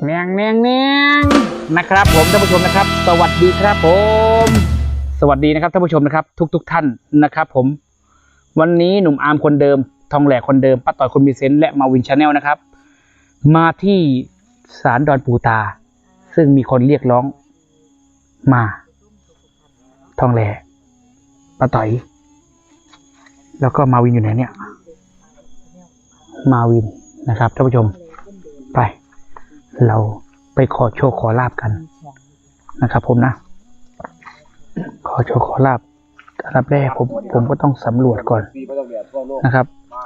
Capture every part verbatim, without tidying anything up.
เนียงเนียงเนียงนะครับผมท่านผู้ชมนะครับสวัสดีครับผมสวัสดีนะครับท่านผู้ชมนะครับทุกทุกท่านนะครับผมวันนี้หนุ่มอาร์มคนเดิมทองแหลกคนเดิมป้าต่อยคนมีเซนส์และมาวินชาแนลนะครับมาที่ศาลดอนปูตาซึ่งมีคนเรียกร้องมาทองแหลกป้าต่อยแล้วก็มาวินอยู่ไหนเนี่ยมาวินนะครับท่านผู้ชมไปเราไปขอโชคขอลาบกันนะครับผมนะขอโชคขอลาบอันดับแรกผมผมก็ต้องสำรวจก่อนนะครับ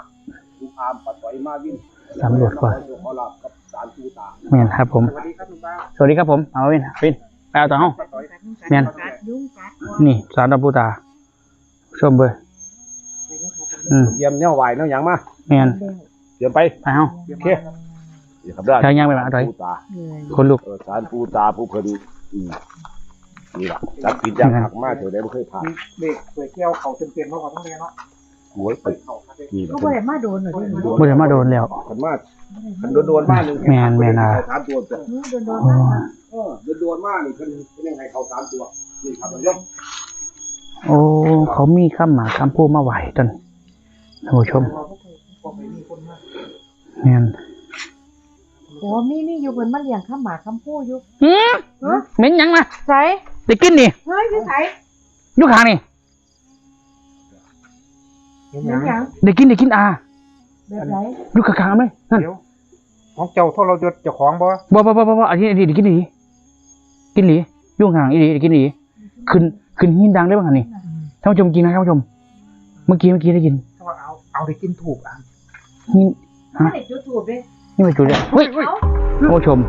สำรวจก่อนเมียนครับผมสวัสดีครับผมเอาวินวินไปเอาต่อห้องเมียนนี่ศาลดอนปูตาชมเบอร์อืมเยี่ยมเนี่ยไหวเนาะยังมาเมียนเดี๋ยวไปไปห้องโอเคครับได้เชิญยังไปมาต่อยคนลูกเออสารปูตาผู้เพิ่นอืมนี่ล่ะจักผิดจักหักมาเถอะได้บ่เคยผ่านเด็กสวยเกี่ยวเขาเต็มๆเพราะเขาต้องเรียนเนาะหวยไปนี่เขาบ่ได้มาโดนหน่อยดิบ่ได้มาโดนแล้วคันมาคันโดนๆมานึงแม่นแม่นอ่ะสามตัวจ้ะโดนโดนอ๋อมากเออโดนๆมานี่เพิ่นเพิ่นยังให้เขาสามตัวนี่ครับท่านผู้ชมโอ้เขามีคำหมาคำพูดมาไหวจนท่านผู้ชมเมียนโอ้มีมีอยู่เพิ่นมาเลี้ยงข้ามหมาข้ามผู้อยู่อืมเหม็นยังมาไสได้กินนี่เฮ้ยอยู่ไสอยุคางนี่เห็นหยัยัง งหยังได้กินได้กินอาแบบไหนอยุคางๆเลยนั่นเดี๋ยวของเจ้าทรยศเจ้าของบ่บ่บ่บ่บ่บ่อันนี้อันนี้ได้กินดีกินหลีอยุ่งห่างอีหลีได้กินหลีขึ้นขึ้นหินดังได้บ้างอันนี้ท่านผู้ชมกินนะท่านผู้ชม เมื่อกี้เมื่อกี้ได้กินเอาเอาเอาได้กินถูกอ่ะหินไม่ได้จุดถูกเด้นี่มาจุดเลยเฮ้ยเอ้าท่านผู้ชม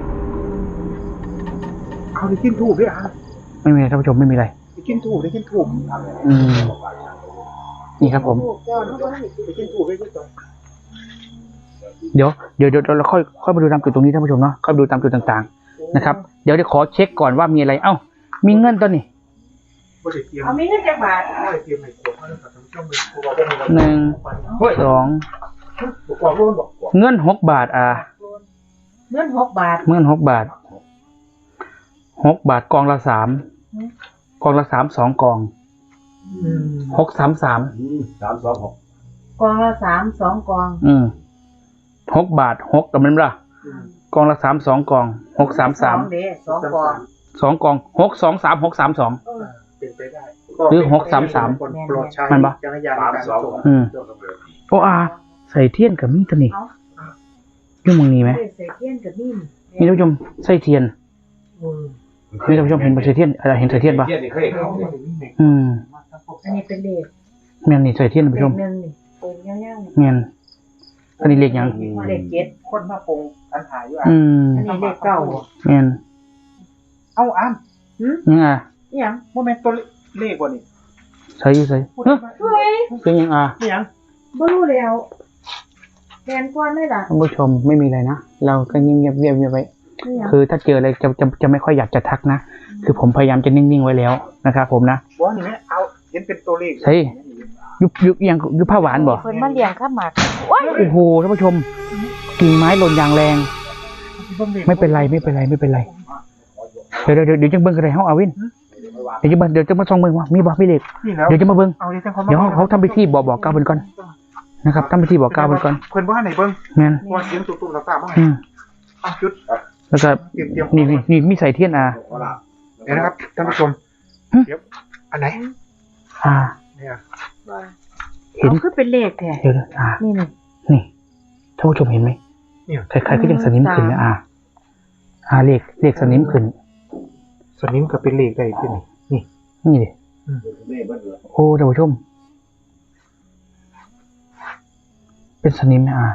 เอาได้กินถูกด้วยอ่ะไม่มีอะไรท่านผู้ชมไม่มีอะไรได้กินถูกได้กินถูกอืมนี่ครับผมถูกเจ้าเขาบ่ได้ได้กินถูกได้กินถูกเดี๋ยวเดี๋ยวเดี๋ยวเราค่อยค่อยมาดูตามจุดตรงนี้ท่านผู้ชมเนาะค่อยมาดูตามจุดต่างๆนะครับเดี๋ยวเดี๋ยวขอเช็คก่อนว่ามีอะไรเอ้ามีเงินตัวนี้บ่ได้เตรียมเอามีเงินจักบาทบ่ได้เตรียมให้ขวดมาแล้วกับท่านผู้ชมเลยผู้บอกว่ามีหนึ่งสองผู้บอกว่าบอกเงินหกบาทอ่ะเงินหกบาทเงินหกบาทหกบาทกองละสามกองละสามสองกองอืมหกสามสามอืมสามสองหกกองละสามสองกองอืมหกบาทหกกับมันละกองละสามสองกองหกสามสามองเด้สองกองสองกองหกสองสามหกสามสองเออเป็นไปได้หรือหกสามสามคนโปรดใช้มันปะจักรยานในการส่งอืมโอ้อาใส่เทียนกับมีตัวนี้เอายุ่งมึงนี้ไหมเด้ใส่เทียนกับนี่มีท่านผู้ชมใส่เทียนอืมมีท่านผู้ชมเห็นใส่เทียนอะไรเห็นใส่เทียนปะเทียนนี่เคยเข้าเนี่ยอืมอันนี้เป็นเลขแม่นนี่ใส่เทียนท่านเลผู้ชขมหนึ่งนี่เป็นยาวๆนี่แม่นอันนี้เลขยังเลขเจ็ดคนมาปรุงอันถ่ายอยู่อ่ะอืมอันนี้เลขเก้าแม่นเอาอ้ํหืมยังอ่ะอิหยังโมเมนต์ตัวเลขบ่นี่ใส่อยู่ใส่พูดเฮ้ยมาเฮ้ยเป็นยังอ่ะนี่หยังบ่รู้แล้วแทนก่อนได้ล่ะท่านผู้ชมไม่มีอะไรนะเราก็เงียบๆเงียบๆเงียบๆไว้นี่หยังคือถ้าเจออะไรจะจะจะไม่ค่อยอยากจะทักนะ คือผมพยายามจะนิ่งๆไว้แล้วนะครับผมนะบ่นี่แม่เอาเห็นเป็นตัวเลขใช่ ยุบยุบยังยุบผ้าหวานบ่เพิ่นมาเลี้ยงข้ามหมากโอ้ยโอ้โหท่านผู้ชมกิ่งไม้หล่นอย่างแรง ไม่เป็นไรไม่เป็นไรไม่เป็นไรเดี๋ยวเดี๋ยวเดี๋ยวจะเบิ่งกันเลยเฮาอาวินเดี๋ยวจะเบิ่งเดี๋ยวจะมาส่องเบิ่งว่ามีบ่มีเลขนี่แล้วเดี๋ยวจะมาเบิ่งเอาดิจังเขามาเดี๋ยวเขาทำพิธีบอกบอกกล่าวเพิ่นก่อนนะครับทำพิธีบอกกล่าวเพิ่นก่อนเพิ่นบ่ให้ไหนเบิ่งแม่นว่าเสียงตุ้มๆต่างๆบ่ให้อืมอ่ะจุดแล้วก็นี่นี่นี่มีใส่เทียนอ่ะเดี๋ยวนะครับท่านผู้ชมหึเดี๋ยวอันไหนอ่าเนี่ยเห็นเอาคือเป็นเลขแท้เดี๋ยวนะอ่านี่นี่นี่ท่านผู้ชมเห็นไหมเนี่ยคล้ายๆก็ยังสนิมขึ้นนะอ่าอ่าเลขเลขสนิมขึ้นสนิมก็เป็นเลขได้ที่นี่นี่นี่ดิโอ้ท่านผู้ชม เป็นสนิมนะอ่า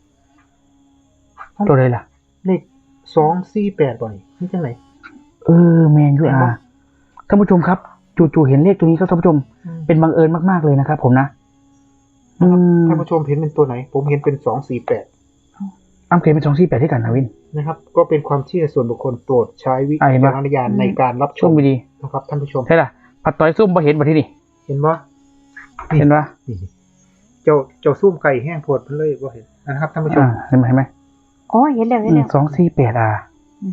ตัวอะไรล่ะเลขสองสี่แปดบ่นี่นี่จังไหนเออแมนยูอาท่านผู้ชมครับจู่ๆเห็นเลขตัวนี้ครับท่านผู้ชมเป็นบังเอิญมากๆเลยนะครับผมนะอืมท่านผู้ชมเห็นเป็นตัวไหน ผมเห็นเป็นสองสี่แปดอ้ำเคยเป็นสองสี่แปดที่กันนะวินนะครับ ก็เป็นความเชื่อส่วนบุคคลโปรดใช้วิอ่ะเห็นปะจารณญาณในการรับชช่วมงดีนะครับท่านผู้ชมใช่ล่ะผัดต้อยซุ่มพอเห็นมาที่นี่เห็นบ่เห็นปะนี่เจ้าเจ้าซุ่มไก่แห้งโพดเพิ่นเลยบ่เห็นนะครับท่านผู้ชมอ่าเห็นไหมเห็นไหมอ๋อเห็นแล้วเห็นแล้วสองสี่แปดอ่ะอืม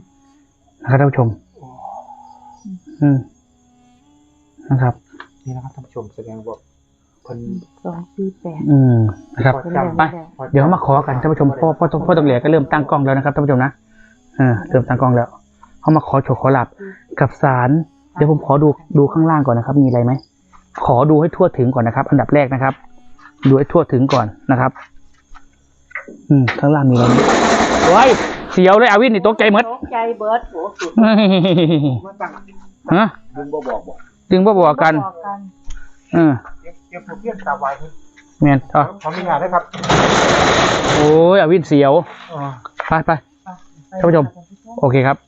นะครับท่านผู้ชม อืมนะครับนี่นะครับท่านผู้ชมแสดงว่าเพิ่นสองสี่แปดอืมนะครับพอเป็นจำแบบไปนี้แหละเดี๋ยวมาขอกันท่านผู้ชมพ่อพ่อพ่อตรงเหลียก็เริ่มตั้งกล้องแล้วนะครับท่านผู้ชมนะเออเริ่มตั้งกล้องแล้วเขามาขอโชว์ขอหลับกับสารเดี๋ยวผมขอดูดูข้างล่างก่อนนะครับ มีอะไรไหมขอดูให้ทั่วถึงก่อนนะครับ อันดับแรกนะครับ ดูให้ทั่วถึงก่อนนะครับ อืมข้างล่างมีอะไรไหมโอ้ยเสียวเลยอาวินนี่ตกใจหมดตกใจเบิร์ดโหสุดมาตั้งฮะลุงบ่บอกบอกดึงบ่บอกกันบอกกันเออเดี๋ยวเดี๋ยวผมเรียกตาไวเพิ่นแมนอ๋อขออนุญาตนะครับโอ้ยอาวินเสียวอ๋อไปไป ท่านผู้ชม โอเคครับ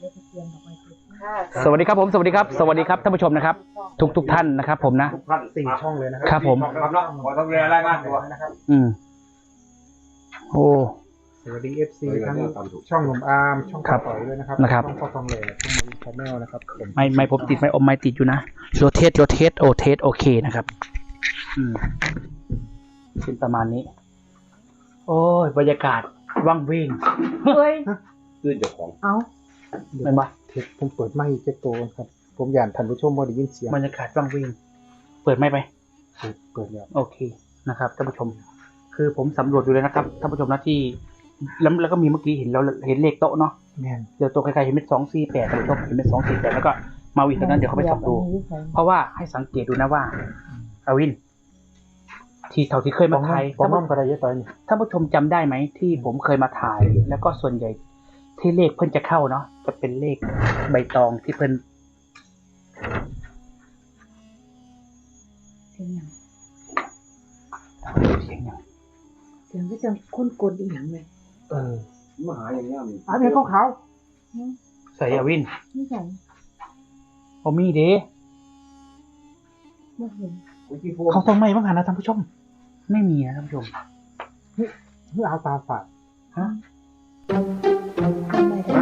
สวัสดีครับผมสวัสดีครับ สวัสดีครับท่านผู้ชมนะครับ ทุกทุกท่านนะครับ ผมนะทุกท่านสี่ช่องเลยนะครัครับผมครับเนาะขอต้องเรียนรายงานตัวนะครับอืมโอ้สวัสดี เอฟ ซี ทั้งช่องหนุ่มอาร์มช่องครับต่อยด้วยนะครับนะครับช่องพ่อทองแหล่ช่องมารินชาแนลนะครับผมไม่ไม่ผมติดไม่อมไม่ติดอยู่นะโรเทสโรเทสโอเทสโอเคนะครับ อืมเป็นประมาณนี้ โอ้ยบรรยากาศว่างเวงเฮ้ยคือเจ้าของเอาเป็นปะเทปผมเปิดไมค์เจ็ดตัวครับ ผมอยากท่านผู้ชมว่าได้ยินเสียงบรรยากาศว่างเวงเปิดไม่ไปเปิดแล้วโอเคนะครับท่านผู้ชม คือผมสำรวจดูเลยนะครับท่านผู้ชมนะที่แล้วแล้วก็มีเมื่อกี้เห็นแล้วเห็นเลขโต๊ะเนาะแม่นเดี๋ยวตัวใครๆเห็นเป็นสองสี่แปดท่านผู้ชมเห็นเป็นสองสี่แปดแล้วก็มาวินตอนนั้นเดี๋ยวเขาไปส่องดู เพราะว่าให้สังเกตดูนะว่าอาวิน ที่เท่าที่เคยมาถ่ายผมท่านน้อผู้มกระไดเยอะต่อยนี่ท่านผู้ชมจำได้ไหมที่ผมเคยมาถ่าย แล้วก็ส่วนใหญ่ที่เลขเพิ่นจะเข้าเนาะจะเป็นเลขใบตองที่เพิ่นเสียงหยังเสียงอย่างเสียงก็จะคุ้นกลอีหยังเลยเออมาหาอย่างเงี้ยมีอันนี้ขาวใส่อาวินนี่ใส่โอมีเด้ไม่เห็นคุยที่โฟเขาต้องไม่บ้างหันนะท่านผู้ชมไม่มีนะท่านผู้ชมเพื่อเอาตาฝาดฮะทำไมได้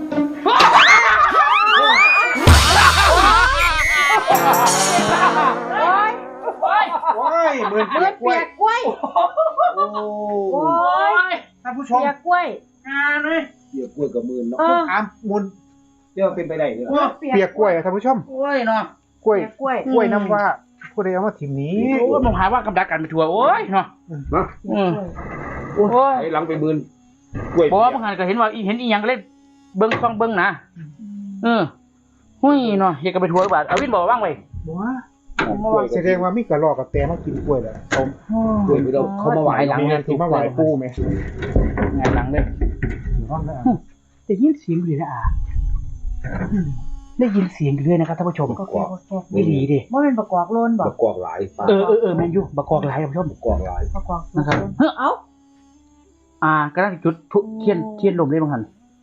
ว้ายเหมือนเปียกกล้วยโอ้โอ้ยท่านผู้ชมเปียกกล้วยงานเลยเกี่ยวกล้วยกับมือเนาะเอออามมุนเดี๋ยวเป็นไปได้เด้อเปียกกล้วยอะท่านผู้ชมโอ้ยเนาะกล้วยเปียกกล้วยกล้วยน้ำว่าผู้ใดเอามาทิมนี้โอ้ยผมหาว่ากำดักกันไปทัวร์โอ้ยเนาะเนาะเปียกกล้วยโอ้ยไอ้หลังไปมืนกล้วยเพราะว่าบางงานก็เห็นว่าอีเห็นอีหยังก็เล่นเบิ้งช่องเบิ้งนะเออหุ้ยเนาะอยากจะไปทัวร์หรือเปล่าอาวินบอกว่าว่างไว้ว้าเมื่อวานแสดงว่ามีกระรอกกับแตมากินกล้วยแล้วผมกล้วยไปเราเขามาไหวหลังมีงานที่มาไหวปูไหมงานหลังเลยห้องนั้นได้ยินเสียงอยู่เลยนะอาได้ยินเสียงอยู่ด้วยนะครับท่านผู้ชมก็แค่ก็แค่ไม่ดีดิว่าเป็นประกอบโลนบอปกระกอบหลายปลาเออเออเออแมนยูบักกอกหลายท่านผู้ชมประกอบหลายประกอบนะครับเฮ้ยเอ้าอ่าก็ได้จุดทุเทียนเทียนลมได้บางหัน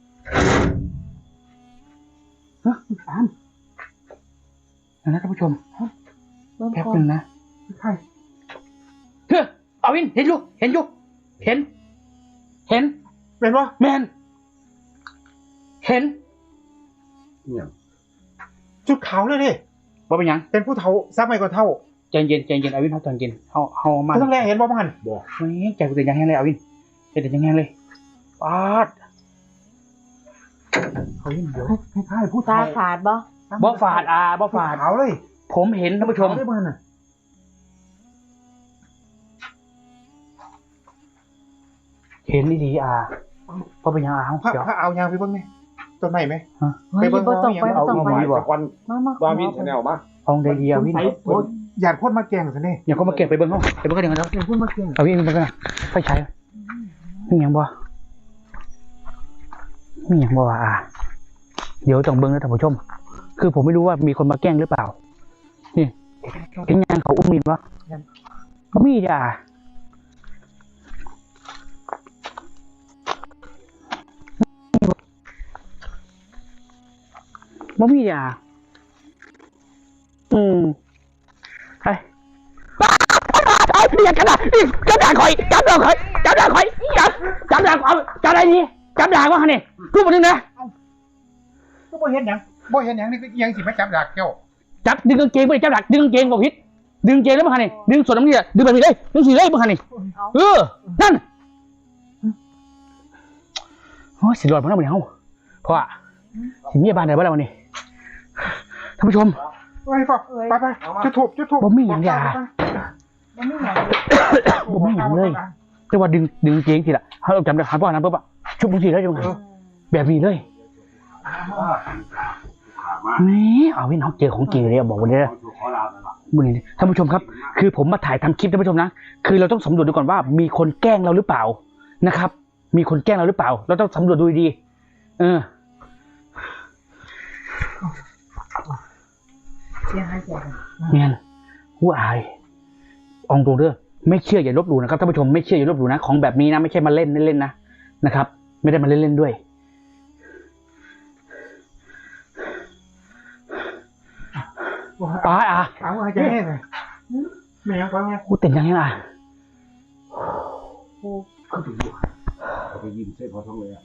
ฮะสามนะท่านผู้ชมเบิ่งแป๊บก่อหนึนงนะใช่เฮ้ยอาวินเห็นอยู่เห็นอยู่เห็น เห็นเป็นวะแมนเห็นเนี่ยจุดขาวเลยดิว่าเป็นหยังเป็นผู้เฒ่าซับไม่ก็เท่าใจเย็นใจเย็นอาวินเขาใจเย็นเขาเขามาผู้ต้องแรกเห็นบ่บ้านบอกเฮ้ยใจกูเต้นยังแห้งเลยอาวินใจเต้นยังแห้งเลยปาดเขาเห็นเดี๋ยวคล้ายๆผู้ตาเฒ่าขาดบ่บ่ฝาดอาบ่ฝาดขาวเลยผมเห็นท่านผู้ชมได้บ้านน่ะเห็นดีๆอาเพราะเป็นหยังอาเขาพระเดี๋ยวพระเอายางไปเบิ่งไหมต้นไม้ไหมเฮ้ยบ่ต้องไปบ่ต้องไปหมายจากวันมามาวาวินแนลมาเอาได้ดีอาวินโอ้ยอยากพ่นมาแกงซะนี่อย่าเขามาเก็บไปเบิ้งเขาไปเบิ้งเขาเดี๋ยวกันเนาะอยากพ่นมาแกงเอาวินไปเบิ้งกันนะไปใช้มีหยังบ่มีหยังบ่วะอาเดี๋ยวต้องเบิ้งนะท่านผู้ชม คือผมไม่รู้ว่ามีคนมาแกล้งหรือเปล่า นี่เห็นยังเขาอุ้มมีดวะก็มีจ้ะบ่มีจ้ะอืมไปไอ้เพียกันนะจับด่างข่อยจับด่างข่อยจับด่างข่อยจับจับด่างเอาจับอะไรนี่จับด่างวะฮะนี่รูปมันนึงนะก็บ่เห็นหยังบ่เห็นหยังนี่ก็ยังสิมาจับดักเจ้าจับดึงกางเกงไปจับดักดึงกางเกงบอกพิษดึงกางเกงแล้วมาฮะนี่ดึงส่วนน้ำนี่ดึงแบบนี้เลยดึงสีเลยมาฮะนี่เออนั่นโอ้ยสิรอดเพราะนั่นมันเฮาเพราะว่าสิมีบ้านไหนบ้างล่ะวันนี้ท่านผู้ชมไปพ่อไปไปจุดถูกจุดถูกบ่มีหยังอย่ามันไม่หนักบ่มีหยังเลยแต่ว่าดึงดึงเจียงทีละเขาจำได้หันพ่อนั้นปุ๊บอะชุบมึงทีแล้วจังไงแบบนี้เลยนี่เอาพี่น้องเจอของจริงเลยบอกวันนี้บุญท่านผู้ชมครับคือผมมาถ่ายทำคลิปท่านผู้ชมนะคือเราต้องสำรวจดูก่อนว่ามีคนแกล้งเราหรือเปล่านะครับมีคนแกล้งเราหรือเปล่าเราต้องสำรวจดูดีเออเสียหายเสียหายเนี่ยผู้อายองตรงเด้อไม่เชื่ออย่าลบหลู่นะครับท่านผู้ชมไม่เชื่ออย่าลบหลู่นะของแบบนี้นะไม่ใช่มาเล่นเล่นๆนะนะครับไม่ได้มาเล่นเล่นด้วยป้าอ่ะเอาอะไรจะให้เลยแม่ฟังไงกูเต้นยังไงล่ะเขาไปยิ้มใส่พอท้องเลยอ่ะ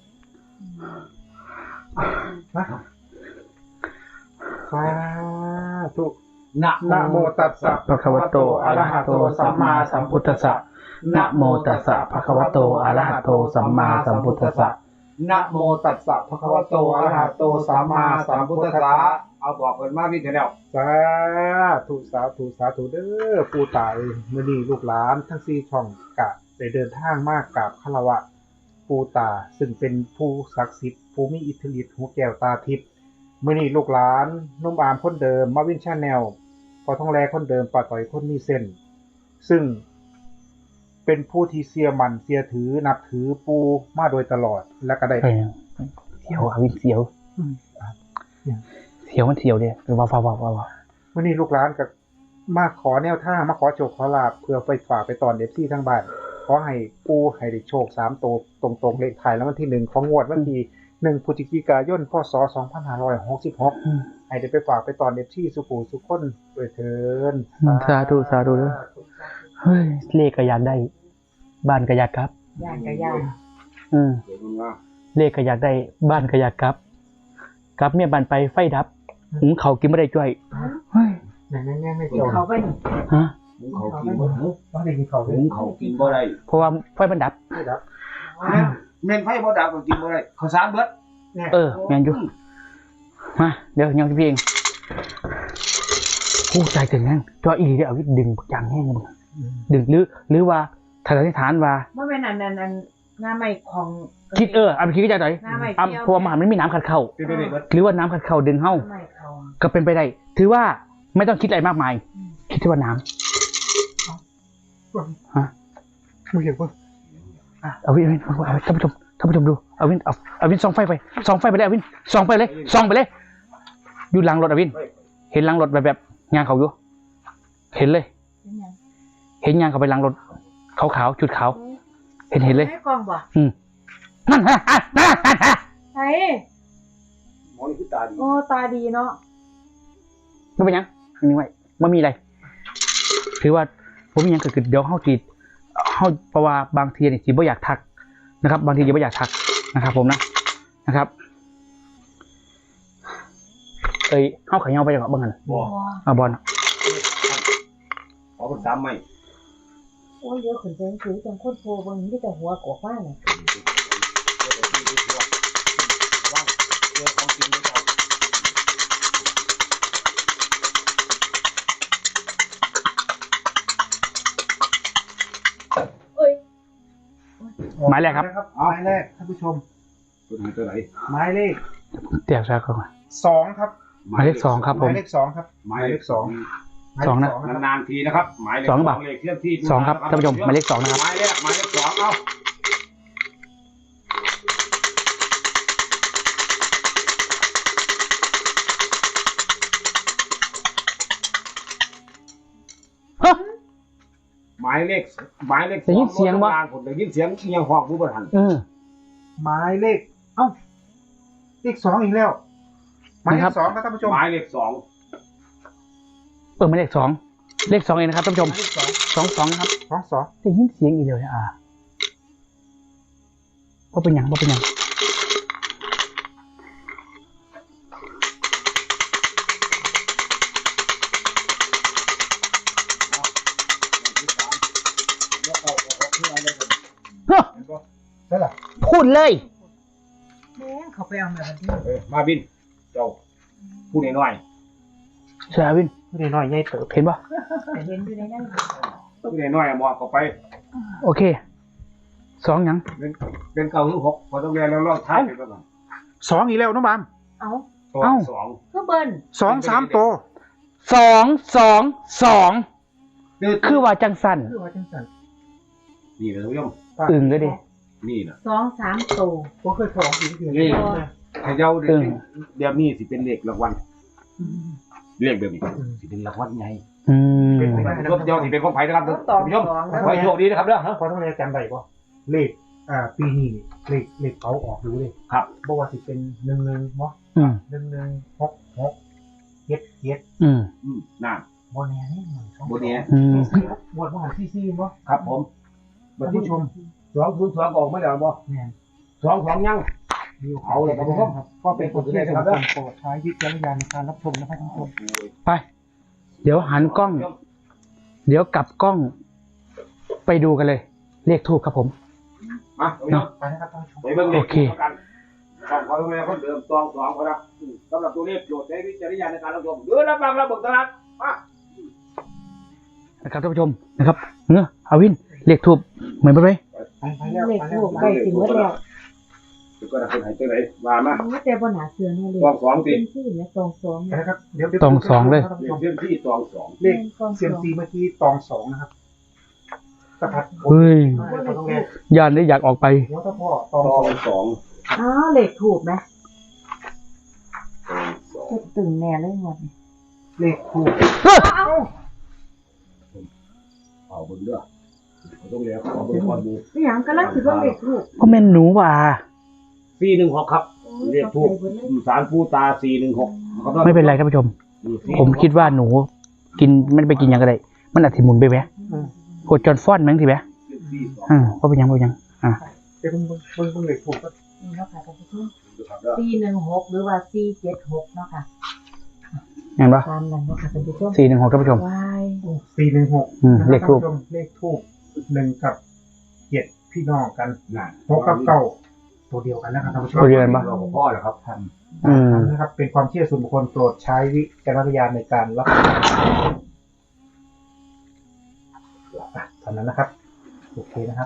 สาธุนะนะโมตัสสะภะคะวะโตอะระหะโตสัมมาสัมพุทธัสสะนะโมตัสสะภะคะวะโตอะระหะโตสัมมาสัมพุทธัสสะนะโมตัสสะภะคะวะโตอะระหะโตสัมมาสัมพุทธัสสะเอาบอกเพิ่นมาพี่เถอะแล้วสาธุสาธุสาธุเด้อปู่ตายมื้อนี้ลูกหลานทั้งสี่ช่องกะได้เดินทางมากกราบคารวะปู่ตาซึ่งเป็นผู้ศักดิ์สิทธิ์ผู้มีอิทธิฤทธิ์หูแก้วตาทิพย์มื้อนี้ลูกหลานนุ่มอามคนเดิมมาวินชาแนลพอท้องแลคนเดิมป้าต่อยคนมีเส้น ซึ่งเป็นผู้ที่เสียมันเสียถือนับถือปูมาโดยตลอดและก็ได้เสียวอ่ะวินเสียวเสียวมันเสียวเดียวว้าวว้าวว้าวว้าววันนี้ลูกหลานกับมาขอแนวทางมาขอโชคขอลาบเพื่อไปฝากไปตอนเอฟซีทั้งบ้านขอให้ปูให้ได้โชคสามตัวตรงๆเลขถ่ายแล้ววันที่หนึ่งของงวดวันที่หนึ่งพฤศจิกายนพศสองพันห้าร้อยหกสิบหกให้ได้ไปฝากไปตอนเอฟซีสุขูสุขคนด้วยเถินสาธุสาธุเด้อเฮ้ยเลขก็อยากได้บ้านก็อยากกลับย่างกับย่างอืมเดี๋ยวมึงว่าเลขก็อยากได้บ้านก็อยากกลับกลับเมียบ้านไปไฟดับหุงเขาวกินไม่ได้จ้อยเฮ้ยแน่ๆๆไม่กิจนบเขาไปนี่ฮะหุงเขากินบ่หุงต้องได้กินเขาเลยหุงเขากินบ่ได้เพราะว่าไฟมันดับไม่ดับแม่นไฟบ่ดับก็กินบ่ได้ข้าวสารเบิดเนี่ยเออแมนอยู่มาเดี๋ยวยังพี่เองผู้ใจถึงนั่นจออีเดียวเอาดึงจังแห้งเลยมึงดึงหรือหรือว่าถ้าสันนิษฐานว่าเมื่อเป็นอันนั้นอันหน้าใหม่ของคิดเออเอาไปคิดก็ใจหน่อยหน้าใหม่อ่ะเที่ยวเพราะว่ามันไม่มีน้ำขัดเข้าเป็นไปได้เบิดหรือว่าน้ำขัดเข้าดึงเข้าหน้าใหม่เขาก็เป็นไปได้ถือว่าไม่ต้องคิดอะไรมากมาย คิดที่ว่าน้ไม่เห็นว่าำเอาวินเอาวินเอาวินท่านผู้ชมท่านผู้ชมดูเอาวินเอาเอาวินส่องไฟไปส่องไฟไปเลยเอาวินส่องไปเลยส่องไปเลยอยู่หลังรถเอาวิน เห็นหลังรถแบบแบบงานเขาอยู่เห็นเลยเป็นยังเห็นงานเขาไปหลังรถขาวขาวๆจุดขาวเห็นเห็นเลยไม่กองบ่นั่นฮะฮะฮะฮะไอ้หมอนี่คือตาดีโอ้ตาดีเนาะไม่เป็นหยังไม่ไว้ไม่มีอะไรถือว่าผมมีหยังเกิดขึ้นเดี๋ยวเข้าจีดเข้าเพราะว่าบางทีเนี่ยจีบ่อยากทักนะครับ บางทีจีบ่อยากทักนะครับ ผมนะนะครับเอ้ยเข้าขายเงาไปจังหวะบ้างกันบ่เอาบอลขอคนตามไม่โอ้ยเยอะขึ้นเป็นคือจังคนโทรบางทีแต่หัวกอกว่าเนี่ยว่างเจอของกินไม่พอเอ้ยหมายแรกครับหมายแรกท่านผู้ชมตัวไหนตัวไหนหมายเลขเตียกซะก่อนสองครับหมายเลขสองครับหผมมายเลขสองครับหมายเลขสองหมายเลขสองนะครับนานๆทีนะครับหมายเลขสองป่ะเลขเคลื่อนที่สองครับท่านผู้ชมหมายเลขสองนะครับหมายเลขหมายเลขสองเอ้าฮะหมายเลขหมายเลขได้ยินเสียงวะผมได้ยินเสียงเสียงห้องผู้บริหารเออหมายเลข เอ้า เลขสองอีกแล้ว หมายเลครัขบสองครับท่านผู้ชมหมายเลขสองเออหมายเลขสองเลขสองเองนะครับท่านผู้ชมหมายเลขสองสองสองนะครับสองสองได้ยินเสียงอีกเลยอ่ะว่าเป็นหยังว่าเป็นหยัง เฮ้อใช่หรอพูดเลยแม่งเขาเขาไปเอามาวันที่เออมาบินเจ้าพูดน้อยเสียวินไม่ได้น้อยใหญ่เติบเห็นปะแต่เห็นอยู่ในนั้นๆพูดน้อยๆหมอกเข้าไปโอเคสองหยังเป็นเป็นเก้าหรือหกพอต้องเรียนแล้วลองทายไปก่อนสองอีกแล้วน้องบามเอาตัวสองก็เบิ้ลสองสามโตสองสองสองคือว่าจังสันคือว่าจังสันนี่นะท่านผู้ชมอึ่งเลยดินี่นะสองสามโตผมเคยสองอีกเดือนนี่นะเขย่าเดี๋ยวนี้เดี๋ยวนี้สิเป็นเลขรางวัลเลขแบบนี้สิเป็นรางวัลไงอืมเป็นของรถเดียวสิเป็นของไผ่นะครับท่านผู้ชมขอให้โชคดีนะครับเด้อพอต้องเรียนจำได้ป่ะเลขอ่าปีนี้เลขเลขเขาออกดูเลยครับบอกว่าสิเป็นหนึ่งหนึ่งเนาะอืมหนึ่งหนึ่งหกหกเจ็ดเจ็ดอืมอืมนั่นโบแน่นี่หนึ่งสองโบแน่อืมบวชมหาซีซีเนาะครับผมท่านผู้ชมสองศูนย์สองออกไม่แล้วบ่แน่นสองสองยังมีเอาเลยครับผมก็เป็นคนที่ได้รับการโปรดใช้วิจารณญาณในการรับชมนะครับท่านผู้ชมไป เดี๋ยวหันกล้อง เดี๋ยวกลับกล้อง ไปดูกันเลย เลขทูบครับผมมาเนาะไปนะครับท่านผู้ชมไปเบิ่งเลขโอเคกันของขอแม่คนเดิมตองสองคนนะสำหรับตัวเลขโปรดใช้วิจารณญาณในการรับชมเดือรับฟังรับเบิกตลาดมานะครับท่านผู้ชมนะครับเนื้ออาวินเลขทูบเหมือนไปไหมไปไปแล้วเลขไปแล้ทูวบใกล้สิหมดแล้วเดี๋ยวก็ได้คนหายใจไหนมามาโอ้แต่บนหาเสือเนี่ยเลตองสองเป็สินชื่อเนี่ยตองสองไปเนี่ยนะครับเดี๋ยวเดี๋ยวตองสองเลยท่านผู้เลชขมเทียมที่ตองสองเลขเซียมซีเมื่อกี้ตองสองนะครับกระพัดเฮ้ยไม่ต้องเรียนยานได้อยากออกไปหัวตะพ่อตองตสอองงสองอ๋อเลขถูกไหมตองสองจะตึงแน่เลยหมดนี่เลขคู่เอาเอาเบิ่งเด้อเขาต้องเรียกขอเบิ่งก่อนดูไม่อย่างกำลังถือว่าเลขถูกก็แม่นหนูว่าสี่หนึ่งหกครับโอ้ยเลขทูบสารปูตาสี่หนึ่งหกไม่เป็นไรท่านผู้ชม ผมคิดว่าหนู กินไม่ได้ไปกินหยังก็ได้ มันอาจจะหมุนไปไหมกดจนฟ้อนแมั้งทีไหมอ่าก็เป็นหยังก็เป็นหยังอ่าเดี๋ยวเพิ่งเพิ่งเพิ่งเพิ่งเลขคู่ก็นี่เนาะค่ะท่านผู้ชมสี่หนึ่งหกหรือว่าสี่เจ็ดหกเนาะค่ะเห็นปะตามนั้นเนาะค่ะท่านผู้ชมสี่หนึ่งหกท่านผู้ชมวายสี่หนึ่งหกอืมเลขทูบเลขทูบหนึ่งกับเจ็ดพี่น้องกันนั่นหกกับเก้าตัวเดียวกันนะครับท่านผู้ชมตัวเดียวกันปะเราพ่อแล้วครับท่านอืมนะครับเป็นความเชื่อส่วนบุคคลโปรดใช้วิจารณญาณในการรับชมอ่ะเท่านั้นนะครับโอเคนะครับ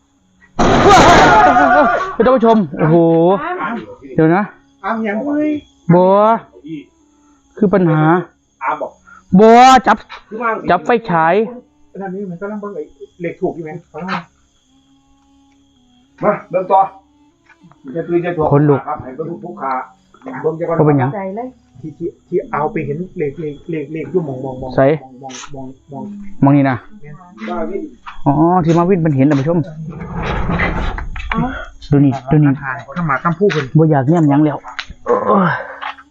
ท่านผู้ชม โอ้โห เดี๋ยวนะอ้าวยังเว้ยบัวคือปัญหาอาบอกบัวจับคือมั่งจับไฟฉายนั่นนี่มันก็ต้องเบิ่งไอ้เลขถูกอยู่ไหมเขาว่ามาเบิ่งต่อจะตื่นจะตัวคนลุกครับให้เบิ่งทุกขาเบิ่งจะก่อนก็เป็นหยังใจเลยที่ที่ที่เอาไปเห็นเลขเลขเลขเลขอยู่มองมองมองใส่มองมองมองมองนี่นะว่าวินอ๋อ ที่มาวินเป็นเห็นท่านผู้ชมเอาดูนี่ ดูนี่ถ่ายข้ามาข้ามผู้คนบัวอยากเนี่ยมหยังแล้วโอ้ย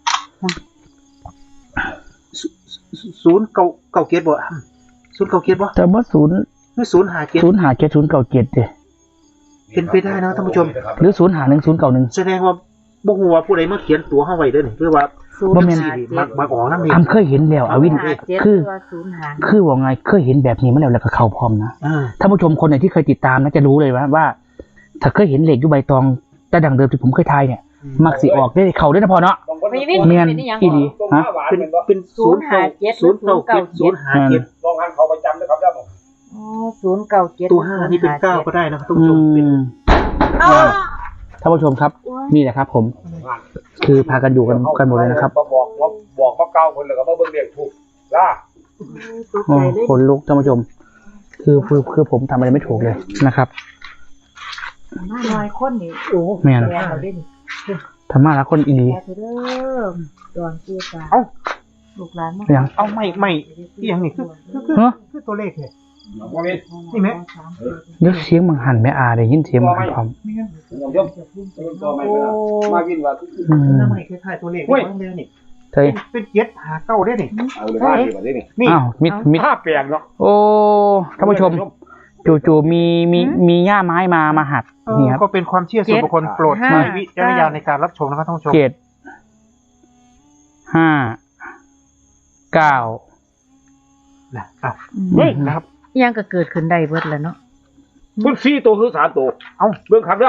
ศูนย์เก้าเก้าเกียรติบ่อ่ะศูนย์เก้าเกียรติบ่แต่ว่าศูนย์หรือศูนย์หาเกียรติศูนย์หาเจ็ดศูนย์เก่าเจ็ดเด้เป็นไปได้นะท่านผู้ชมหรือศูนย์หาหนึ่งศูนย์เก่าหนึ่งแสดงว่าบ่ฮู้ว่าผู้ใดมาเขียนตัวเฮาไว้เด้อนี่คือว่าศูนย์บ่แม่นหาเจ็ดมามาออกนำนี่อำเคยเห็นแล้วอาวินหาเจ็ดคือตัวศูนย์หารคือว่าไงเคยเห็นแบบนี้มาแล้วแล้วก็เข้าพร้อมนะอ่าท่านผู้ชมคนไหนที่เคยติดตามนะจะรู้เลยว่าว่า ถ้าเคยเห็นเหล็กอยู่ใบตองแต่ดังเดิมที่ผมเคยทายเนี่ย มักสิออกได้เข้าได้นะพอเนาะไม่วินเมียนเป็นยังอีหลีฮะเป็นเป็นศูนย์เก้าศูนย์เก้าเจ็ดศูนย์หาเจ็ดลองหันเขาไปจำนะครับได้บ่อ๋อศูนย์เก้าเจ็ดตัวห้านี่เป็นเก้าก็ได้นะครับท่านอืผู้ชมเป็นมเอาท่านผู้ชมครับ นี่แหละครับ ผม คือพากันอยู่กันกันหมดเลยนะครับบอกว่าบอกว่าเก้าคนแล้วก็มาเบิ่งเลขถูกล่ะตกโอ้ใจเลยขนลุกท่านผู้ชม คือคือคือผมทำอะไรไม่ถูกเลยนะครับมาหน่อยคนนี่โอ้แม่นแย่เราได้นี่ธรรมะละคนอีหลีแย่เถอะเด้อดอนเกียร์ตาเอ้าลูกหลานมายังเอาไม่ไม่อีหยังนี่คือคือคือฮะคือตัวเลขเนี่ยว่าวินนี่ไหมเดี๋ยวเสียงมังหันไม่อาได้ยินเสียงมังหันพร้อมนี่ไงผมยอมตัวไม่เป็นมาวินว่าอืมน้ำไม่คล้ายๆตัวเลขนี่เดียวนี่เฮ้ยเป็นเจ็ดหาเก้าได้นี่เอาเลยว่าดีกว่านี้นี่นี่อ้าวมิดมิดภาพแปลกเนาะโอ้ท่านผู้ชม จู่ๆมีมีมีหญ้าไม้มามาหักนี่ครับก็เป็นความเชื่อส่วนบุคคลโปรดใช้วิจารณญาณในการรับชมนะครับท่านผู้ชมเจ็ดห้าเก้านะอ่ะเฮ้ยนะครับยังก็เกิดขึ้นได้เบิดแล้วเนาะคุณสี่ตัวคือสามตัวเอาเบิ่งครับเด้อ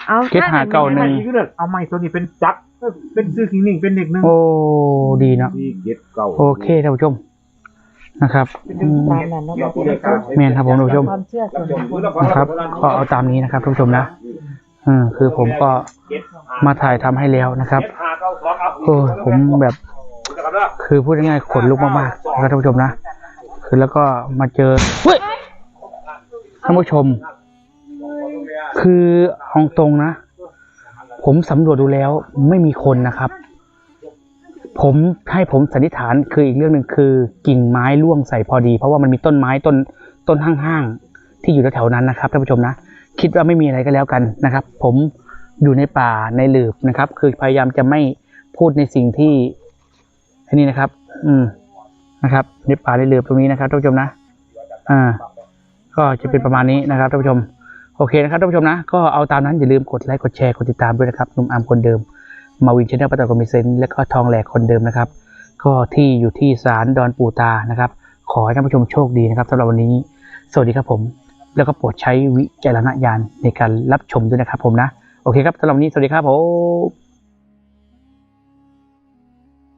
เอาเจ็ดห้าเก้าหนึ่งเอาไม้ตัวนี้เป็นจักรเป็นซื้อขิงหนึ่งเป็นเด็กหนึ่งโอ้ดีเนาะที่เก็ดเก่าโอเคท่านผู้ชมนะครับอืมตามนั้นเนาะท่านผู้ชมแม่นครับผมท่านผู้ชมความเชื่อส่วนบุคคลนะครับก็เอาตามนี้นะครับท่านผู้ชมนะอืมคือผมก็มาถ่ายทำให้แล้วนะครับโอ้ยผมแบบคือพูดง่ายๆขนลุกมากๆนะครับท่านผู้ชมนะคือแล้วก็มาเจอเฮ้ยท่านผู้ชม คือเอาตรงนะ ผมสำรวจดูแล้วไม่มีคนนะครับ ผมให้ผมสันนิษฐานคืออีกเรื่องหนึ่งคือกิ่งไม้ร่วงใส่พอดี เพราะว่ามันมีต้นไม้ต้นต้นห้างๆที่อยู่แถวๆนั้นนะครับท่านผู้ชมนะคิดว่าไม่มีอะไรก็แล้วกันนะครับ ผมอยู่ในป่าในหลืบนะครับ คือพยายามจะไม่พูดในสิ่งที่อันนี้นะครับ อืมนะครับในป่าในหลืบตรงนี้นะครับท่านผู้ชมนะอ่า ก็จะเป็นประมาณนี้นะครับท่านผู้ชมโอเคนะครับท่านผู้ชมนะก็เอาตามนั้นอย่าลืมกดไลค์กดแชร์กดติดตามด้วยนะครับหนุ่มอาร์มคนเดิมมาวินชาแนลประตอคอมมิเซนและก็ทองแหลกคนเดิมนะครับก็ที่อยู่ที่ศาลดอนปู่ตานะครับขอให้ท่านผู้ชมโชคดีนะครับสำหรับวันนี้สวัสดีครับผมแล้วก็โปรดใช้วิจารณญาณในการรับชมด้วยนะครับผมนะโอเคครับสำหรับวันนี้สวัสดีครับผม